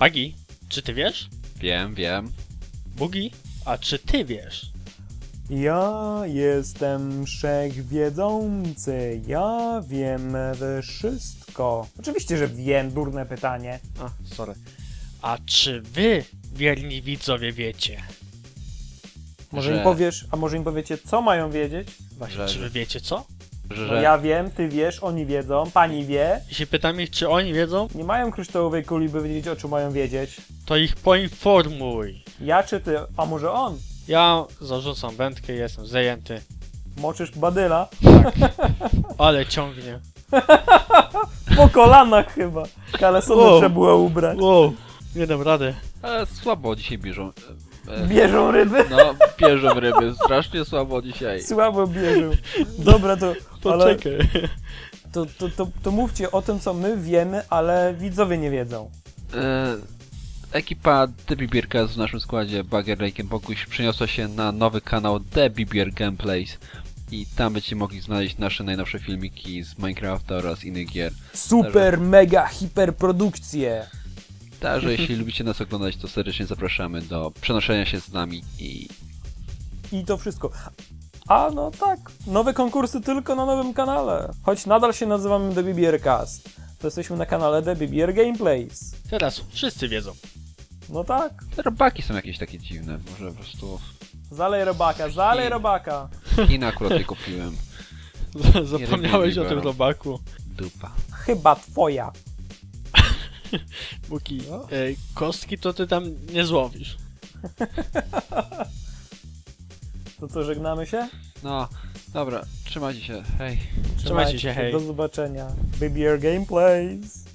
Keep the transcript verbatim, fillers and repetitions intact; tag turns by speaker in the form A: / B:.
A: Bagi, czy ty wiesz?
B: Wiem, wiem.
A: Bugi, a czy ty wiesz?
C: Ja jestem wszechwiedzący, ja wiem wszystko. Oczywiście, że wiem, durne pytanie.
A: A, sorry. A czy wy, wierni widzowie, wiecie?
C: Może
B: Że-
C: im powiesz, a może im powiecie, co mają wiedzieć?
A: Właśnie,
B: Że-
A: czy wy wiecie co?
B: Że,
C: No ja wiem, ty wiesz, oni wiedzą, pani wie.
A: Jeśli pytam ich, czy oni wiedzą,
C: Nie mają kryształowej kuli, by wiedzieć, o czym mają wiedzieć.
A: to ich poinformuj.
C: Ja czy ty, a może on?
A: Ja zarzucam wędkę, jestem zajęty,
C: Moczysz badyla?
A: ale ciągnie.
C: Po kolanach chyba. Kalesony
A: Wow.
C: trzeba było ubrać.
A: Wow, nie dam rady.
B: Ale słabo dzisiaj bierzą. E, e,
C: Bierzą ryby?
B: No, bierzą ryby. Strasznie słabo dzisiaj.
C: Słabo bierzą. Dobra, to, ale
A: Poczekaj.
C: to, to, to, to mówcie o tym, co my wiemy, ale widzowie nie wiedzą.
B: E, ekipa The Bibierka w naszym składzie Bagger, Lake Boguś przeniosła się na nowy kanał The Bibier Gameplays. I tam będziecie mogli znaleźć nasze najnowsze filmiki z Minecrafta oraz innych gier.
C: Super, mega, hiperprodukcje.
B: Także jeśli lubicie nas oglądać, to serdecznie zapraszamy do przenoszenia się z nami i
C: I to wszystko. A no tak, nowe konkursy tylko na nowym kanale. Choć nadal się nazywamy The Bibiercast, to jesteśmy na kanale The Bibier Gameplays.
A: Teraz wszyscy wiedzą.
C: No tak.
B: te robaki są jakieś takie dziwne. Może po prostu
C: Zalej robaka, zalej robaka.
B: Chiny akurat je kupiłem.
A: Zapomniałeś o tym
B: Bibiera.
A: robaku.
B: Dupa.
C: Chyba twoja.
A: Buki, e, kostki to ty tam nie złowisz.
C: To co, żegnamy się?
B: No, dobra, trzymajcie się, hej.
A: Trzymajcie się, hej.
C: Do zobaczenia. Bibier Gameplays.